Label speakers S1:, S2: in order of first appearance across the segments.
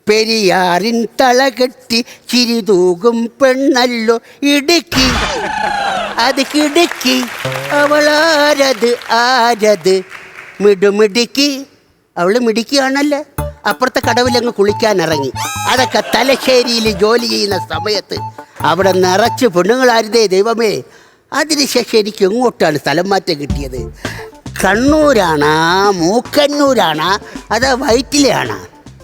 S1: പെരിയാറിൻ തളകെട്ടി ചിരിതൂകും പെണ്ണല്ലോ ഇടുക്കി, അത് കിടുക്കി. അവളാരത് ആരത് മിടുമിടുക്കി. അവള് മിടുക്കിയാണല്ലോ. അപ്പുറത്തെ കടവിലങ്ങ് കുളിക്കാൻ ഇറങ്ങി. അതൊക്കെ തലശ്ശേരിയിൽ ജോലി ചെയ്യുന്ന സമയത്ത് അവിടെ നിറച്ച് പെണ്ണുങ്ങളായിരുന്നേ ദൈവമേ. അതിനുശേഷം എനിക്ക് എങ്ങോട്ടാണ് സ്ഥലം മാറ്റം കിട്ടിയത്? കണ്ണൂരാണാ മൂക്കന്നൂരാണാ അതാ വയറ്റിലെയാണാ?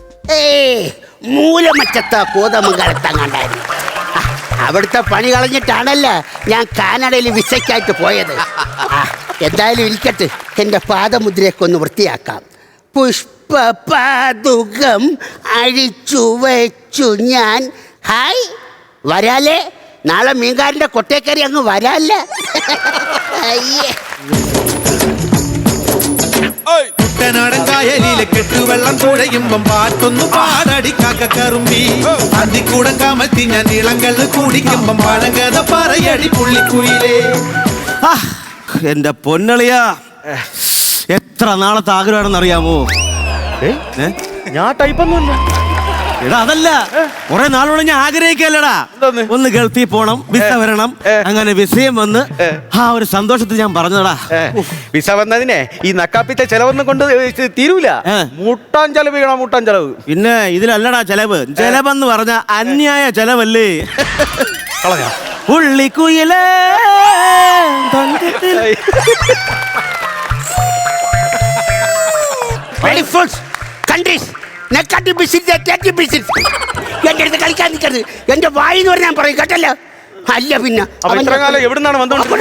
S1: മൂലമറ്റത്താ കോതമംഗലത്തങ്ങാണ്ടായിരുന്നു. അവിടുത്തെ പണി കളഞ്ഞിട്ടാണല്ലോ ഞാൻ കാനഡയിൽ വിസയ്ക്കായിട്ട് പോയത്. എന്തായാലും ഇരിക്കട്ടെ, എൻ്റെ പാദമുദ്രയൊക്കെ ഒന്ന് വൃത്തിയാക്കാം. പുഷ്പപാതുകം അഴിച്ചു വെച്ചു ഞാൻ. ഹായ്, വരാലേ? നാളെ മീൻകാരൻ്റെ കൊട്ടേക്കറി അങ്ങ് വരാല്ലേ? അയ്യേ.
S2: കുട്ടനാടൻ കായലിലെ കെട്ടുവെള്ളം തുഴയുമ്പം പാട്ടൊന്നു പാടടിക്കാക്ക കറുമ്പി. അന്തിക്കൂടം കമത്തി ഞാൻ ഇളങ്കള്ള് കുടിക്കുമ്പം പഴങ്കഥ പറയടി പുള്ളിക്കുയിലേ.
S3: എന്റെ പൊന്നളിയാ, എത്ര നാളത്തെ ആഗ്രഹമാണെന്ന് അറിയാമോ?
S4: ഞാൻ ടൈപ്പൊന്നുമില്ല.
S3: എടാ അതല്ല, കുറെ നാളോടെ ഞാൻ ആഗ്രഹിക്കല്ലടാ, ഒന്ന് ഗൾഫിൽ പോണം, വിസ വരണം. അങ്ങനെ വിസയും വന്ന് ആ ഒരു സന്തോഷത്തിൽ ഞാൻ പറഞ്ഞതാ.
S4: വിസ വന്നതിനെ ഈ നക്കാപ്പിത്തെ ചെലവൊന്നും കൊണ്ട് തീരൂല. മുട്ടാൻ ചെലവ് ചെയ്യണം, മുട്ടാൻ ചെലവ്.
S3: പിന്നെ ഇതിലല്ലടാ ചെലവ്. ചെലവെന്ന് പറഞ്ഞ അന്യായ ചെലവല്ലേ. പുള്ളിക്കുയിലേ
S1: എന്റെ അടുത്ത് കളിക്കാൻ നിൽക്കരുത്. എന്റെ വായിന്ന് പറഞ്ഞാൽ പറയും കേട്ടല്ലോ. അല്ല പിന്നെ
S4: എവിടുന്നാണ്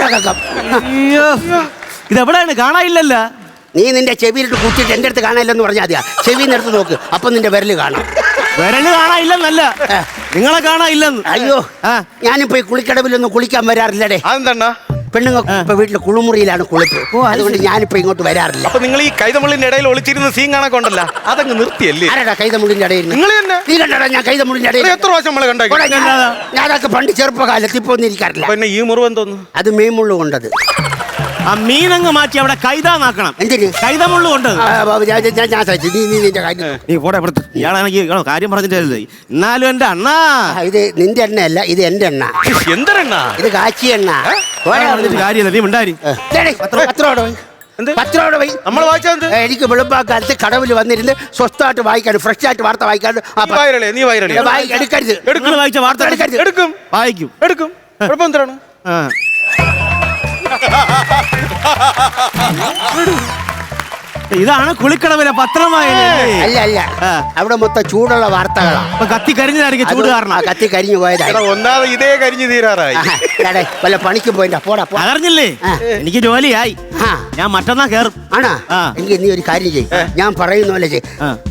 S3: ഇതെവിടെയാണ്? കാണാനില്ലല്ലോ.
S1: നീ നിന്റെ ചെവിയിലിട്ട് കൂട്ടിട്ട് എന്റെ അടുത്ത് കാണാനില്ലെന്ന് പറഞ്ഞാൽ മതിയാ. ചെവിന്ന് എടുത്ത് നോക്ക്, അപ്പൊ നിന്റെ വിരല് കാണാം.
S3: വിരല് കാണാനില്ലെന്നല്ല, നിങ്ങളെ കാണാനില്ലെന്ന്.
S1: അയ്യോ, ഞാനിപ്പോ ഈ കുളിക്കടവിലൊന്നും കുളിക്കാൻ വരാറില്ലടേ.
S4: അതെന്താ?
S1: പെണ്ണുങ്ങൾ ഇപ്പൊ വീട്ടില് കുളിമുറിയിലാണ് കുളിപ്പ്. അതുകൊണ്ട് ഞാനിപ്പോ ഇങ്ങോട്ട് വരാറില്ല.
S4: അപ്പൊ നിങ്ങൾ ഈ കൈതമുള്ളിന്റെ ഇടയിൽ ഒളിച്ചിരുന്ന സീൻ കാണൊക്കെ ഉണ്ടല്ലോ, അതങ്ങ് നിർത്തിയല്ലേ?
S1: ആരാടാ കൈതമുള്ളിന്റെ ഇടയിൽ?
S4: നിങ്ങൾ തന്നെ.
S1: നീ കണ്ടാടാ ഞാൻ കൈതമുള്ളിന്റെ ഇടയിൽ?
S4: എത്ര പ്രാവശ്യം നമ്മളെ കണ്ടേ?
S1: ഞാനതൊക്കെ പണ്ട് ചെറുപ്പകാലത്ത് ഇപ്പൊ ഒന്നും ഇരിക്കാറില്ല.
S4: പിന്നെ ഈ മുറിവ് എന്തോന്നു?
S1: അത് മീൻമുള്ളു കൊണ്ടത്.
S3: ആ മീനങ്ങ് മാറ്റി അവിടെ കൈതാന്നാക്കണം.
S1: എന്തിന്?
S3: കൈതമുള്ളു കൊണ്ട്.
S1: ഞാൻ സഹിച്ചു. നീ നിന്റെ കാര്യം
S3: നീ കൂടെ ഇവിടുത്തെ ഇയാളാണെങ്കിൽ കാര്യം പറഞ്ഞിട്ടല്ലേ. എന്നാലും എന്റെ അണ്ണാ,
S1: ഇത് നിന്റെ എണ്ണയല്ല, ഇത് എന്റെ എണ്ണ.
S4: എന്തെണ്ണ?
S1: ഇത് കാച്ചി എണ്ണ.
S3: കാര്യമല്ല, നീ ഉണ്ടായി.
S4: നമ്മൾ വായിച്ചത്
S1: എനിക്ക് വെളുപ്പാക്കാലത്ത് കടവിൽ വന്നിരുന്ന് സ്വസ്ഥമായിട്ട് വായിക്കാൻ, ഫ്രഷ് ആയിട്ട് വാർത്ത വായിക്കാൻ.
S4: നീ
S1: എടുക്കരുത്.
S3: വായിച്ച വാർത്ത
S4: എടുക്കും,
S3: വായിക്കും,
S4: എടുക്കും. കുഴപ്പം എന്താണ്?
S3: ഇതാണ് കുളിക്കടവിലെ പത്രമായ.
S1: അല്ല അല്ല, അവിടെ മൊത്തം ചൂടുള്ള വാർത്തകളാ.
S3: കത്തി കരിഞ്ഞതായിരിക്കും ചൂട് കാരണം.
S1: കത്തി കരിഞ്ഞു പോയതാ.
S4: ഒന്നാമത് ഇതേ കരിഞ്ഞു തീരാറായി.
S1: വല്ല പണിക്ക് പോയിട്ടാ. പോടാ.
S3: അറിഞ്ഞില്ലേ, എനിക്ക് ജോലിയായി. ഞാൻ മറ്റന്നാ കേറും.
S1: ആണാ? എങ്കിൽ നീ ഒരു കാര്യം ചെയ്യും, ഞാൻ പറയുന്ന പോലെ ചെയ്യും.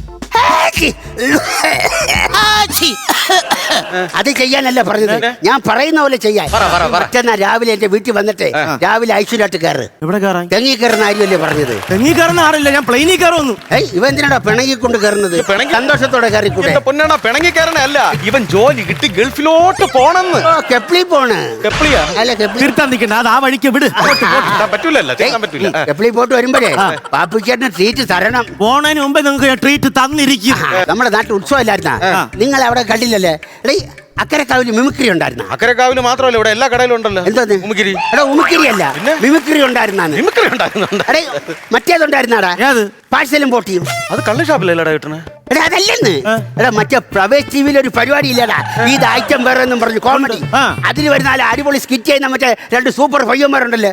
S1: അത് ചെയ്യാനല്ല പറഞ്ഞത്, ഞാൻ പറയുന്ന പോലെ ചെയ്യാൻ. മറ്റന്നാ രാവിലെ എന്റെ വീട്ടിൽ വന്നിട്ട് രാവിലെ ഐശ്വര്യമായിട്ട് കയറ്.
S3: എവിടെ കയറാൻ?
S1: തെങ്ങി കയറുന്ന കാര്യമല്ലേ പറഞ്ഞത്?
S3: തെങ്ങി കയറുന്ന ആറില്ല, ഞാൻ പ്ലെയിനിൽ കയറുന്നു.
S1: ഇവ എന്തിനാടാ പിണങ്ങിക്കൊണ്ട് കയറുന്നത്?
S4: സന്തോഷത്തോടെ കയറിക്കൂടെ? പൊന്നാണ പിണങ്ങി കയറണല്ല, ഇവൻ ജോലി കിട്ടി ഗൾഫിലോട്ട് പോണെന്ന്.
S1: കെപ്ലി പോണ്.
S4: കെപ്ലിയാ?
S1: അല്ല,
S3: തീർത്താൻ നിൽക്കണ്ട, അത് ആ വഴിക്ക് വിട്.
S4: പറ്റൂലല്ലോ,
S1: കെപ്ലി പോട്ട് വരുമ്പോഴേ പാപ്പിച്ചേട്ടന് ട്രീറ്റ് തരണം.
S3: പോണതിന് മുമ്പേ നിങ്ങൾക്ക് ട്രീറ്റ് തന്നിരിക്കും.
S1: നമ്മുടെ നാട്ടിൽ ഉത്സവം ഇല്ലായിരുന്ന? നിങ്ങൾ അവിടെ കണ്ടില്ലല്ലേ? അക്കരക്കാവില് മിമിക്രി ഉണ്ടായിരുന്ന?
S4: അക്കരക്കാവില് മാത്രമല്ല, ഇവിടെ എല്ലാ കടയിലും ഉണ്ടല്ലോ.
S1: എന്താ ഉമിക്കിരി? എടാ ഉമിക്കിരി അല്ല, മിമിക്രി ഉണ്ടായിരുന്നാണ്.
S4: മിമിക്രി ഉണ്ടായിരുന്നു.
S1: മറ്റേതുണ്ടായിരുന്നാടാ, പാഴ്സലും പോട്ടിയും.
S4: അത് കള്ള് ഷാപ്പിലല്ലടാ കിട്ടണേ.
S1: എടാ അതല്ലെന്ന്. എടാ മറ്റേ പ്രവേശ് ടിവിയിൽ ഒരു പരിപാടി ഇല്ലടാ, ഇത് ഐറ്റം വേറെ എന്നും പറഞ്ഞു കോമഡി. അതിൽ വരുന്ന അടിപൊളി സ്കിറ്റ് ചെയ്യുന്ന മറ്റേ 2 സൂപ്പർ പയ്യന്മാരുണ്ടല്ലേ.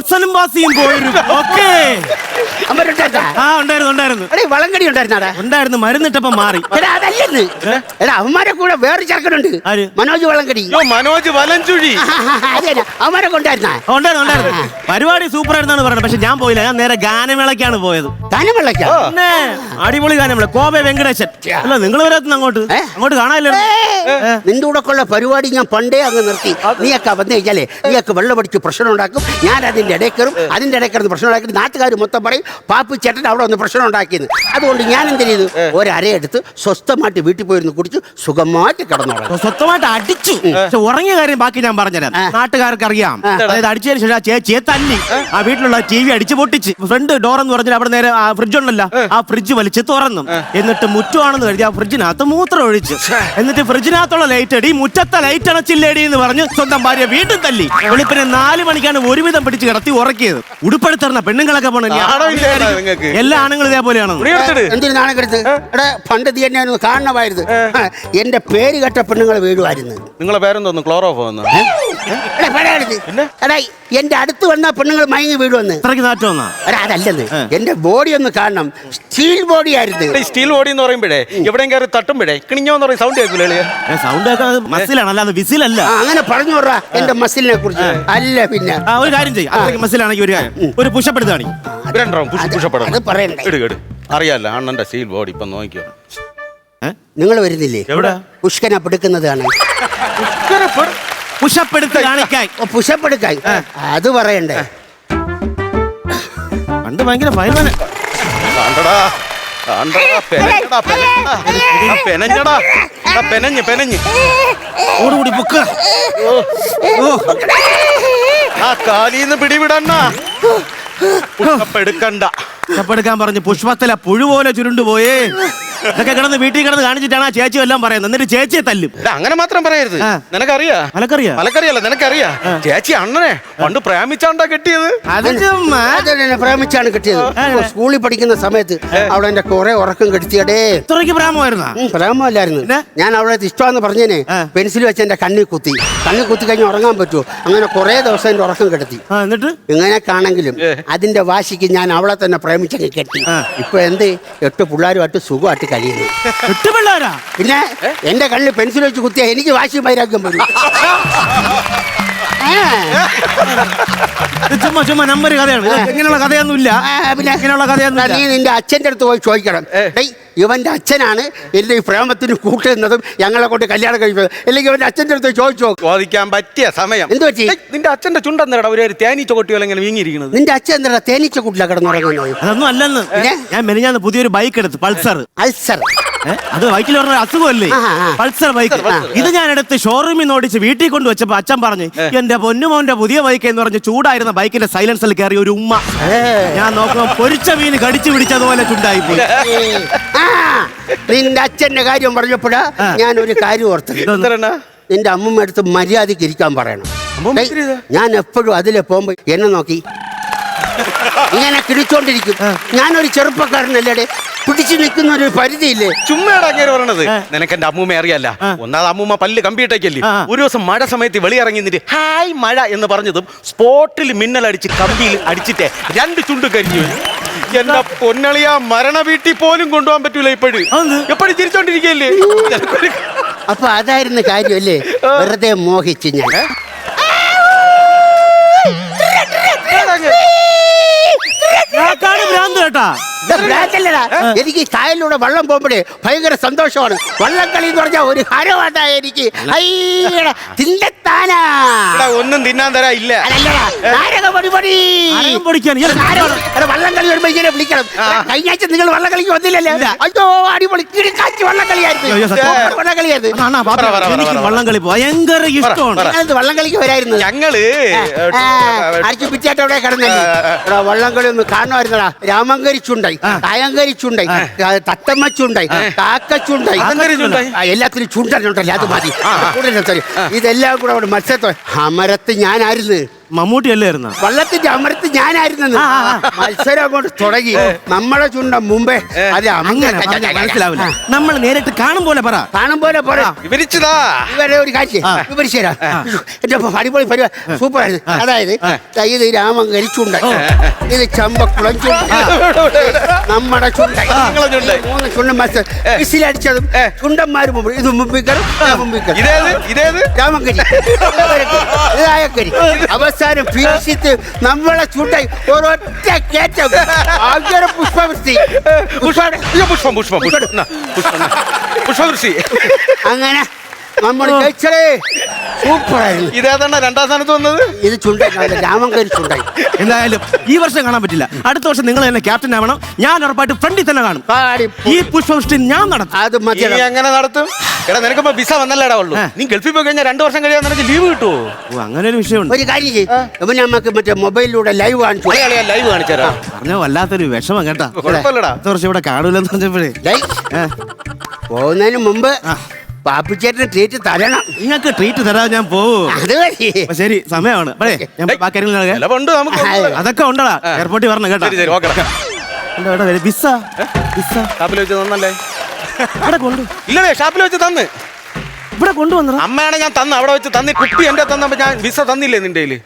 S1: വളങ്കടി ഉണ്ടായിരുന്നാടാ?
S3: ഉണ്ടായിരുന്നു, മരുന്നിട്ടപ്പോ മാറി.
S1: എടാ അതല്ലെന്ന്. എടാ അവന്മാരെ കൂടെ വേറെ ചെറുക്കനുണ്ട്, മനോജ് വളങ്കടി.
S4: മനോജ് വലഞ്ചുഴി.
S1: അതെ, അവന്മാരെ കൊണ്ടായിരുന്ന?
S3: ഉണ്ടായിരുന്നു. പരിപാടി സൂപ്പർ ആയിരുന്നാണ് പറയുന്നത്. പക്ഷെ ഞാൻ പോയില്ല, ഞാൻ നേരെ ഗാനമേളക്കാണ് പോയത്.
S1: ഗാനമേളക്കാ?
S3: അടിപൊളി ഗാനമേള. കോബെ വെങ്കടേശൻ. അല്ല, നിങ്ങൾ വരാത്തുന്ന അങ്ങോട്ട് കാണാനില്ല.
S1: നിന്റെ കൂടെ ഉള്ള പരിപാടി ഞാൻ പണ്ടേ അങ്ങ് നിർത്തി. നീയൊക്കെ വന്നു കഴിഞ്ഞാലേ നീയൊക്കെ വെള്ളമടിച്ച് പ്രശ്നം ഉണ്ടാക്കും, ഞാൻ അതിന്റെ ഇടയിൽ കയറും. അതിന്റെ ഇടയിൽ കയറുന്ന പ്രശ്നം ഉണ്ടാക്കി നാട്ടുകാർ മൊത്തം പറയും പാപ്പി ചേട്ടൻ അവിടെ ഒന്ന് പ്രശ്നം ഉണ്ടാക്കിയത്. അതുകൊണ്ട് ഞാൻ എന്ത് ചെയ്തു, ഒരരയെടുത്ത് സ്വസ്ഥമായിട്ട് വീട്ടിൽ പോയിരുന്നു കുടിച്ചു സുഖമായിട്ട് കിടന്നോളാം.
S3: സ്വസ്ഥമായിട്ട് അടിച്ചു. പക്ഷെ ഉറങ്ങിയ കാര്യം ബാക്കി ഞാൻ പറഞ്ഞുതരാം. നാട്ടുകാർക്ക് അറിയാം. അതായത് അടിച്ചതിന് ശേഷം ചേച്ചിയെ തല്ലി ആ വീട്ടിലുള്ള TV അടിച്ചു പൊട്ടിച്ച് ഫ്രണ്ട് ഡോർ എന്ന് പറഞ്ഞാൽ അവിടെ നേരെ ഫ്രിഡ്ജ് ഉണ്ടല്ലോ, ആ ഫ്രിഡ്ജ് വലിച്ച് തുറന്നു. എന്നിട്ട് മുറ്റമാണെന്ന് കരുതി ആ ഫ്രിഡ്ജിനകത്ത് മൂത്രം ഒഴിച്ചു. എന്നിട്ട് ഫ്രിഡ്ജിനകത്തുള്ള ലൈറ്റ് അടി, മുറ്റത്തെ ലൈറ്റ് അണച്ചില്ലേടി എന്ന് പറഞ്ഞ് സ്വന്തം ഭാര്യ വീണ്ടും തല്ലി. വെളുപ്പിനെ 4 മണിക്കാണ് ഒരുവിധം പിടിച്ച് കിടത്തി ഉറക്കിയത്. ഉടുപ്പെടുത്തറിന പെണ്ണുങ്ങളൊക്കെ പോണ എല്ലാ ആണുങ്ങളും ഇതേപോലെയാണ്.
S1: എന്തിനു നാണക്കെടുത്ത്? എടാ പണ്ട് തീ എന്നെ ഒന്ന് കാണണമായിരുന്നു. എന്റെ പേര് കേട്ട പെണ്ണുങ്ങൾ വീഴുമായിരുന്നു.
S4: നിങ്ങളെ പേരെന്തോന്നു? ക്ലോറോഫോന്ന്?
S1: എടാ എന്റെ അടുത്ത് വന്ന പെണ്ണുങ്ങൾ മയങ്ങി വീഴുവന്ന്.
S3: അത്രയ്ക്ക് നാറ്റം വന്നാ?
S1: എടാ അതല്ലെന്ന്, എന്റെ ബോഡി ഒന്ന് കാണണം. സ്റ്റീൽ ബോഡി ആയിരുന്നു.
S4: സ്റ്റീൽ ബോഡി എന്ന് പറയുമ്പോഴേ എവിടെയും കയറി തട്ടുമ്പോഴേ കിണിഞ്ഞോന്ന് പറയും സൗണ്ട് കേൾക്കൂലേ?
S3: സൗണ്ട് മസിലാണ്, അല്ലാതെ വിസിലല്ല.
S1: അങ്ങനെ പറഞ്ഞു വിടാ എന്റെ മസിലിനെ കുറിച്ച്. അല്ല പിന്നെ
S3: ഒരു കാര്യം ചെയ്യും, അത്രയ്ക്ക് മസിലാണെങ്കിൽ ഒരു കാര്യം, ഒരു പുഷപ്പ് എടുത്താണ്.
S1: അത് പറയണ്ടേ?
S4: അറിയാലോ അണ്ണന്റെ സ്റ്റീൽ ബോഡി ഇപ്പൊ നോക്കിയോ.
S1: നിങ്ങൾ വരുന്നില്ലേ?
S4: എവിടെ?
S1: പുഷ്കനെ പെടുക്കുന്നതാണ്.
S3: പുഷപ്പ് എടുത്ത് കാണിക്കാൻ.
S1: പുഷപ്പ് എടുക്കാൻ അത് പറയണ്ടേ?
S3: പണ്ട് ഭയങ്കര ഫൈനാണ്. ഓടുകൂടി പൊക്ക.
S4: ആ കാലീന്ന് പിടിവിടണ്ണ. എടുക്കണ്ട.
S3: പുഷപ്പെടുക്കാൻ പറഞ്ഞ് പുഷ്പത്തിലെ പുഴു പോലെ ചുരുണ്ടുപോയേ. ഇതൊക്കെ കിടന്ന് വീട്ടിൽ കിടന്ന് കാണിച്ചിട്ടാണ് ആ ചേച്ചി എല്ലാം പറയുന്നത്. എന്നിട്ട് ചേച്ചിയെ തല്ലും.
S4: അങ്ങനെ മാത്രം പറയരുത്. നിനക്കറിയാ? മലക്കറിയല്ല, നിനക്കറിയാ? ചേച്ചി അണ്ണനെ പണ്ട് പ്രേമിച്ചാണ്ടാ കെട്ടിയത്.
S1: പ്രേമിച്ചാണ് കെട്ടിയത്. സ്കൂളിൽ പഠിക്കുന്ന സമയത്ത് അവിടെ എന്റെ കുറെ ഉറക്കം കെടുത്തിയടേ.
S3: ഇത്രയ്ക്ക് പ്രേമമായിരുന്ന?
S1: പ്രേമല്ലായിരുന്നു. ഞാൻ അവിടെ ഇഷ്ടമാന്ന് പറഞ്ഞേനെ പെൻസിൽ വെച്ച് എന്റെ കണ്ണിൽ കുത്തി കഴിഞ്ഞ് ഉറങ്ങാൻ പറ്റുമോ? അങ്ങനെ കുറെ ദിവസം എന്റെ ഉറക്കം കെടുത്തി.
S3: എന്നിട്ട്
S1: ഇങ്ങനെയൊക്കെയാണെങ്കിലും അതിന്റെ വാശിക്ക് ഞാൻ അവളെ തന്നെ പ്രേമിച്ചങ്ങ് കെട്ടി. ഇപ്പൊ എന്ത് 8 പിള്ളേരുമായിട്ട് സുഖമായിട്ട് കഴിയുന്നു.
S3: 8 പിള്ളേരാ?
S1: പിന്നെ എന്റെ കണ്ണിൽ പെൻസിൽ വെച്ച് കുത്തിയാ എനിക്ക് വാശി വൈരാഗ്യം വരും.
S3: ചുമ്മാ നമ്പർ കഥയാണ്. ഇങ്ങനെയുള്ള കഥയൊന്നുമില്ല.
S1: പിന്നെ
S3: ഇങ്ങനെയുള്ള കഥയൊന്നും
S1: നീ നിന്റെ അച്ഛൻ്റെ അടുത്ത് പോയി ചോദിക്കണം. ഇവന്റെ അച്ഛനാണ് എന്റെ ഈ പ്രേമത്തിന് കൂട്ടുന്നതും ഞങ്ങളെ കൊണ്ട് കല്യാണം കഴിക്കുന്നത്. അല്ലെങ്കിൽ ഇവന്റെ അച്ഛൻ്റെ അടുത്ത് ചോദിച്ചോ.
S4: ചോദിക്കാൻ പറ്റിയ സമയം.
S1: എന്ത് പറ്റി?
S4: നിന്റെ അച്ഛന്റെ ചുണ്ടെന്നേടാ ഒരു തേനീച്ച കൊട്ടിയോ ഇങ്ങനെ വീങ്ങിയിരിക്കുന്നത്?
S1: നിന്റെ അച്ഛൻ എന്താ തേനീച്ച കൂട്ടിലാ കിടന്നുറങ്ങുന്നത്?
S3: അതൊന്നും അല്ലെന്ന്. ഞാൻ മെനിഞ്ഞാന്ന് പുതിയൊരു ബൈക്ക് എടുത്ത്, പൾസർ.
S1: അൾസർ?
S3: അത് ബൈക്കിൽ പറഞ്ഞ അസുഖമല്ലേ? Pulsar bike. ഇത് ഞാൻ എടുത്ത് ഷോറൂമിൽ നിന്ന് ഓടിച്ച് വീട്ടിൽ കൊണ്ട് വെച്ചപ്പോ അച്ഛൻ പറഞ്ഞു, എന്റെ പൊന്നുമോന്റെ പുതിയ ബൈക്ക് എന്ന് പറഞ്ഞ് ചൂടായിരുന്ന ബൈക്കിന്റെ സൈലൻസിൽ കയറി ഒരു ഉമ്മ. ഞാൻ നോക്കുമ്പോ പൊരിച്ച മീൻ കടിച്ചു പിടിച്ചതുപോലെ ചുണ്ടായി പോയി.
S1: നിന്റെ അച്ഛന്റെ കാര്യം പറഞ്ഞപ്പോഴാ ഞാൻ ഒരു കാര്യം ഓർത്തത്. നിന്റെ അമ്മമ്മ അടുത്ത് മര്യാദക്ക് ഇരിക്കാൻ പറയണം. ഞാൻ എപ്പോഴും അതിലെ പോകുമ്പോ എന്നെ നോക്കി ഇങ്ങനെ കിടിച്ചോണ്ടിരിക്കും. ഞാനൊരു ചെറുപ്പക്കാരനല്ലേ, പിടിച്ചു നിൽക്കുന്ന ഒരു പരിധിയില്ലേ?
S4: ചുമ്മാടാ അങ്ങനെ പറയണത്. നിനക്ക് എന്റെ അമ്മൂമ്മ അറിയാല്ല. ഒന്നാമത് അമ്മൂമ്മ പല്ല് കമ്പിയിട്ടേക്കല്ലേ. ഒരു ദിവസം മഴ സമയത്ത് വെളിയിറങ്ങി നിന്നിട്ട് ഹായ് മഴ എന്ന് പറഞ്ഞതും സ്പോട്ടിൽ മിന്നലടിച്ച് കമ്പിയിൽ അടിച്ചിട്ടേ 2 ചുണ്ട് കരിഞ്ഞു. എന്റെ പൊന്നളിയാ, മരണ വീട്ടിൽ പോലും കൊണ്ടുപോകാൻ പറ്റൂല. എപ്പോഴും ചിരിച്ചോണ്ടിരിക്കല്ലേ.
S1: അപ്പൊ അതായിരുന്നു കാര്യമല്ലേ? വെറുതെ മോഹിച്ച് ഞാൻ.
S3: കേട്ടാ
S1: എനിക്ക് കായലിലൂടെ വള്ളം പോകുമ്പോഴേ ഭയങ്കര സന്തോഷമാണ്. വള്ളംകളി എന്ന് പറഞ്ഞാൽ ഒരു ഹരവാട്ടാ എനിക്ക്.
S4: ഒന്നും തിന്നാൻ തരാ ഇല്ല.
S1: വള്ളംകളി വരുമ്പോ ഇങ്ങനെ വിളിക്കണം. കഴിഞ്ഞ ആഴ്ച നിങ്ങൾ വള്ളംകളിക്ക് വന്നില്ലല്ലേ? അയ്യോ അടിപൊളി കിടക്കാച്ചി വള്ളംകളിയായിരുന്നു.
S3: വള്ളംകളി ഭയങ്കര ഇഷ്ടമാണ്.
S1: വള്ളംകളിക്ക് വരായിരുന്നു.
S4: ഞങ്ങള്
S1: അടിച്ചു പിറ്റായിട്ട് അവിടെ കിടന്നല്ലേ. വള്ളംകളി ഒന്ന് കാണുമായിരുന്നടാ. രാമങ്കരിച്ചുണ്ടായി, കായങ്കരിച്ചുണ്ടായി, തത്തമ്മച്ചുണ്ടായി, കാക്കച്ചുണ്ടായി, എല്ലാത്തിനും ചുണ്ടല്ലേ. അത് മതി. ഇതെല്ലാം കൂടെ അവിടെ മത്സരത്തോ അമരത്ത് ഞാനായിരുന്നു.
S3: മമ്മൂട്ടി അല്ലായിരുന്ന
S1: വള്ളത്തിന്റെ അമരത്ത് ഞാനായിരുന്നു. മത്സരം അങ്ങോട്ട് തുടങ്ങി. നമ്മളെ ചുണ്ട മുമ്പേ അത്
S3: മനസ്സിലാവില്ല. നമ്മൾ നേരിട്ട് കാണും പോലെ പറ.
S1: ഇവരെ ഒരു കാഴ്ച വിവരിച്ചു തരാം. എന്റെ അടിപൊളി പരിപാടി സൂപ്പർ ആയിരുന്നു. അതായത് ഇത് രാമങ്കരി ചുണ്ടായി, ഇത് ചമ്പക്കുളം ചുണ്ടായി, നമ്മുടെ ചുണ്ടായി. 3 ചുണ്ടൻ മത്സരം. വിസിലടിച്ചതും ചുണ്ടന്മാര് മുമ്പ് ഇത് മുമ്പിക്കറും രാമങ്കരി ഇതായക്കരി. അവസാനം ഫിനിഷിത്ത് നമ്മളെ ചുണ്ടായി ഒരൊറ്റ കയറ്റം. പുഷ്പവൃഷ്ടി. അങ്ങനെ നമ്മൾ കഴിച്ചേ സൂപ്പറായിരുന്നു.
S4: ഇതേതാണ് 2ാം സ്ഥാനത്ത് വന്നത്.
S1: ഇത് ചുണ്ടായി, രാമങ്കരി ചുണ്ടായി.
S3: എന്തായാലും ഈ വർഷം കാണാൻ പറ്റില്ല. അടുത്ത വർഷം നിങ്ങൾ തന്നെ ക്യാപ്റ്റൻ ആവണം. ഞാൻ ഉറപ്പായിട്ട് ഫ്രണ്ടിൽ തന്നെ കാണും. ഈ പുഷ്പവൃഷ്ടി ഞാൻ നടത്തും.
S1: അത് മതി.
S4: എങ്ങനെ നടത്തും? എടാ നിനക്കിപ്പോ വിസ വന്നല്ലേടാ ഉള്ളൂ നീ ഗൾഫിൽ പോയി കഴിഞ്ഞാൽ 2 വർഷം കഴിയാൻ നിനക്ക് ലീവ് കിട്ടുമോ?
S3: ഓ അങ്ങനെ ഒരു വിഷയമുണ്ട്.
S1: ഒരു കാര്യം ചെയ്യും നമുക്ക് മറ്റേ മൊബൈലിലൂടെ ലൈവ് കാണിച്ചു.
S4: ലൈവ് കാണിച്ചാ
S3: പറഞ്ഞ വല്ലാത്തൊരു വിഷമം കേട്ടാ.
S4: കുഴപ്പമില്ലടാ.
S3: 10 വർഷം ഇവിടെ കാണൂലെന്ന് പറഞ്ഞപ്പോഴേ
S1: പോകുന്നതിന് മുമ്പ് പാപ്പിച്ചേട്ടന് ട്രീറ്റ് തരണം.
S3: നിങ്ങൾക്ക് ട്രീറ്റ് തരാതെ ഞാൻ പോവും.
S1: അത് മതി.
S3: അപ്പൊ ശരി സമയമാണ്. ഞാൻ
S4: ചിലവുണ്ട് നമുക്ക്.
S3: അതൊക്കെ ഉണ്ടടാ. എയർപോർട്ടിൽ വരണം കേട്ടോ.
S4: ശരി ഓക്കെടാ.
S3: വിസ വിസ
S4: ഷാപ്പിൽ വെച്ച് തന്നല്ലേ?
S3: ഇവിടെ കൊണ്ടു
S4: ഇല്ലടേ ഷാപ്പിൽ വെച്ച് തന്ന്
S3: ഇവിടെ കൊണ്ടുവന്ന
S4: അമ്മയാണ് ഞാൻ തന്ന അവിടെ വെച്ച് തന്നി കുപ്പി എന്റെ തന്നപ്പോ ഞാൻ വിസ തന്നില്ലേ നിന്റെ കയ്യില്?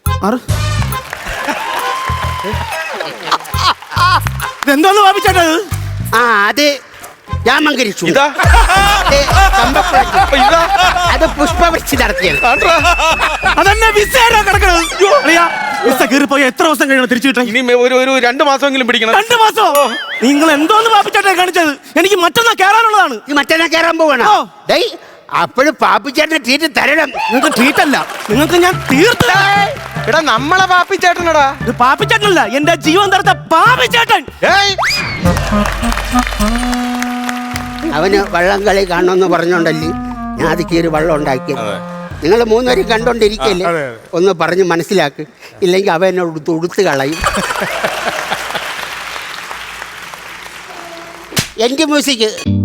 S3: എന്തോന്ന് പാപ്പിച്ചേട്ടത്?
S1: അത് രാമങ്കരിച്ചു.
S4: ഇതാ
S1: അപ്പൊ ഇതാ അത് പുഷ്പവൃഷ്ടി നടത്തിയത്.
S3: അതന്നെ വിസ കിടക്കണത്. വിസ കീറിപ്പോയി എത്ര ദിവസം കഴിയണം തിരിച്ചു കിട്ടാൻ?
S4: ഇനി ഒരു 2 മാസമെങ്കിലും പിടിക്കണം.
S3: 2 മാസോ? നിങ്ങൾ എന്തോന്ന് പാപ്പിച്ചേട്ടനെ കാണിച്ചത്? എനിക്ക് മറ്റന്നാ കയറാനുള്ളതാണ്.
S1: ഈ മറ്റന്നാ കയറാൻ പോകണം. അപ്പോഴും പാപ്പിച്ചേട്ടനെ ട്രീറ്റ് തരണം.
S3: നിങ്ങൾക്ക് ട്രീറ്റ് അല്ല, നിങ്ങൾക്ക് ഞാൻ തീർത്ത.
S4: എടാ നമ്മളെ പാപ്പിച്ചേട്ടനടാ.
S3: ഇത് പാപ്പിച്ചേട്ടനല്ല, എന്റെ ജീവൻ തരത്ത പാപ്പിച്ചേട്ടൻ.
S1: അവന് വള്ളം കളി കാണണമെന്ന് പറഞ്ഞോണ്ടല്ലേ ഞാൻ അത് കീറി വള്ളം ഉണ്ടാക്കിയത്. നിങ്ങൾ 3 പേരും കണ്ടോണ്ടിരിക്കല്ലേ, ഒന്ന് പറഞ്ഞ് മനസ്സിലാക്ക്. ഇല്ലെങ്കിൽ അവ എന്നെ ഉടുത്ത് കളയും. എൻ്റെ മ്യൂസിക്